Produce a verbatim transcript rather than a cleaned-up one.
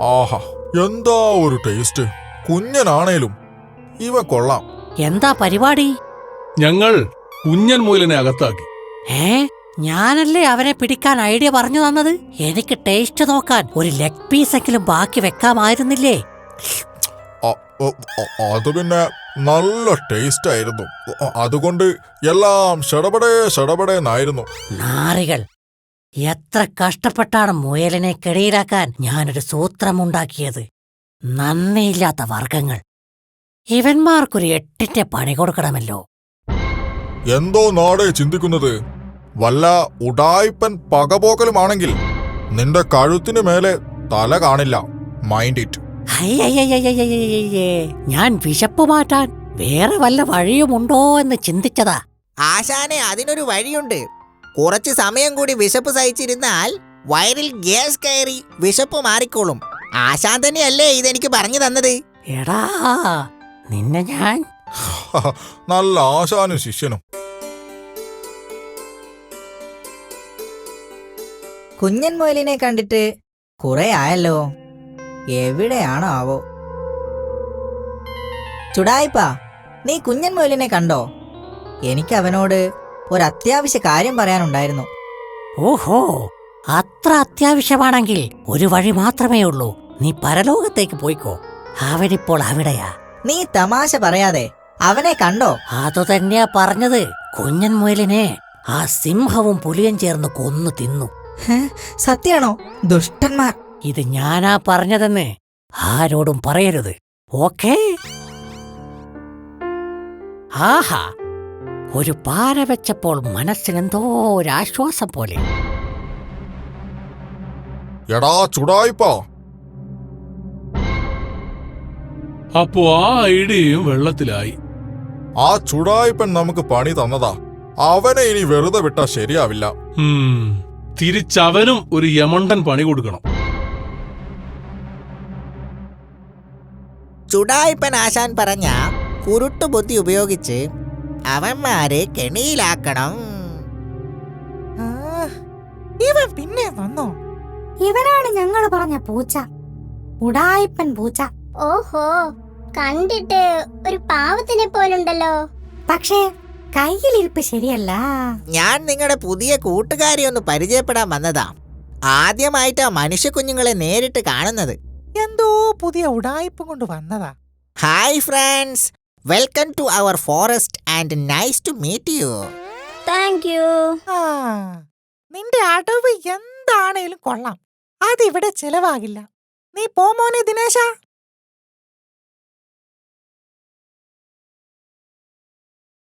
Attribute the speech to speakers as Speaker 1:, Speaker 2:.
Speaker 1: ആഹാ, എന്താ ഒരു ടേസ്റ്റ്. കുഞ്ഞനാണേലും ഇവ കൊള്ളാം.
Speaker 2: എന്താ പരിപാടി?
Speaker 3: ഞങ്ങൾ കുഞ്ഞൻ മുയലിനെ അകത്താക്കി.
Speaker 2: ഏ ഞാനല്ലേ അവനെ പിടിക്കാൻ ഐഡിയ പറഞ്ഞു തന്നത്. എനിക്ക് ടേസ്റ്റ് നോക്കാൻ ഒരു ലെഗ് പീസെങ്കിലും ബാക്കി വെക്കാമായിരുന്നില്ലേ?
Speaker 1: അത് പിന്നെ നല്ല ടേസ്റ്റ് ആയിരുന്നു. അതുകൊണ്ട് എല്ലാം ഷടപടേ ഷടപടേന്നായിരുന്നു.
Speaker 2: നാറികൾ, എത്ര കഷ്ടപ്പെട്ടാണ് മുയലിനെ കെടിയിലാക്കാൻ ഞാനൊരു സൂത്രമുണ്ടാക്കിയത്. നന്ദിയില്ലാത്ത വർഗങ്ങൾ. ഇവന്മാർക്കൊരു എട്ടിന്റെ പണി കൊടുക്കണമല്ലോ.
Speaker 1: എന്തോ നാടേ ചിന്തിക്കുന്നത്. വല്ല ഉഡായിപ്പൻ പകപോക്കലുമാണെങ്കിൽ നിന്റെ കഴുത്തിനു മേലെ തല കാണില്ല. Mind it.
Speaker 2: അയ്യയ്യയ്യയ്യയ്യേ, ഞാൻ വിശപ്പ് മാറ്റാൻ വേറെ വല്ല വഴിയുമുണ്ടോ എന്ന് ചിന്തിച്ചതാ.
Speaker 4: ആശാനെ, അതിനൊരു വഴിയുണ്ട്. കുറച്ച് സമയം കൂടി വിശപ്പ് സഹിച്ചിരുന്നാൽ വയറിൽ ഗ്യാസ് കയറി വിശപ്പ് മാറിക്കോളും. ആശാൻ തന്നെയല്ലേ ഇതെനിക്ക് പറഞ്ഞു തന്നത്?
Speaker 2: എടാ, നിന്നെ ഞാൻ
Speaker 1: നല്ല ആശാനും ശിഷ്യനും.
Speaker 5: കുഞ്ഞൻ മുയലിനെ കണ്ടിട്ട് കുറെ ആയല്ലോ. എവിടെയാണോ ആവോ? ചുടായിപ്പാ, നീ കുഞ്ഞൻ മുയലിനെ കണ്ടോ? എനിക്ക് അവനോട് ഒരു അത്യാവശ്യ കാര്യം പറയാനുണ്ടായിരുന്നു.
Speaker 2: ഓഹോ, അത്ര അത്യാവശ്യമാണെങ്കിൽ ഒരു വഴി മാത്രമേ ഉള്ളൂ. നീ പരലോകത്തേക്ക് പോയിക്കോ. അവനിപ്പോൾ അവിടെയാ.
Speaker 5: നീ തമാശ പറയാതെ അവനെ കണ്ടോ?
Speaker 2: അതുതന്നെയാ പറഞ്ഞത്. കുഞ്ഞൻ മുയലിനെ ആ സിംഹവും പുലിയും ചേർന്ന് കൊന്നു തിന്നു.
Speaker 5: സത്യാണോ? ദുഷ്ടന്മാർ.
Speaker 2: ഇത് ഞാനാ പറഞ്ഞതെന്ന് ആരോടും പറയരുത്, ഓക്കേ? ആഹാ, ഒരു പാര വെച്ചപ്പോൾ മനസ്സിനെന്തോ ഒരാശ്വാസം പോലെ.
Speaker 1: എടാ ചുടായിപ്പാ,
Speaker 3: അപ്പോ ആ ഐഡിയയും വെള്ളത്തിലായി.
Speaker 1: ആ ചുടായിപ്പൻ നമുക്ക് പണി തന്നതാ. അവനെ ഇനി വെറുതെ വിട്ടാ ശരിയാവില്ല.
Speaker 3: തിരിച്ചവനും ഒരു യമണ്ടൻ പണി കൊടുക്കണം.
Speaker 4: ചുടായിപ്പൻ ആശാൻ പറഞ്ഞ കുരുട്ടുബുദ്ധി ഉപയോഗിച്ച് അവന്മാരെ കെണിയിലാക്കണം.
Speaker 6: ഇവൻ പിന്നെ വന്നോ?
Speaker 7: ഇവനാണ് ഞങ്ങൾ പറഞ്ഞ പൂച്ച, ഉടായിപ്പൻ പൂച്ച.
Speaker 8: ഓഹോ, കണ്ടിട്ട് ഒരു പാവത്തിനെ പോലുണ്ടല്ലോ.
Speaker 7: പക്ഷേ കയ്യിലിരിപ്പ് ശരിയല്ല.
Speaker 4: ഞാൻ നിങ്ങളുടെ പുതിയ കൂട്ടുകാരി ഒന്ന് പരിചയപ്പെടാൻ വന്നതാ. ആദ്യമായിട്ടാ മനുഷ്യ കുഞ്ഞുങ്ങളെ നേരിട്ട് കാണുന്നത്.
Speaker 6: എന്തോ പുതിയ ഉടായിപ്പ് കൊണ്ട് വന്നതാ.
Speaker 4: Hi friends, welcome to our forest and nice to meet you.
Speaker 8: Thank you.
Speaker 6: ആ, നിന്റെ അടവ് എന്താണേലും കൊള്ളാം. അതിവിടെ ചെലവാകില്ല. നീ പോ മോനെ ദിനേശ.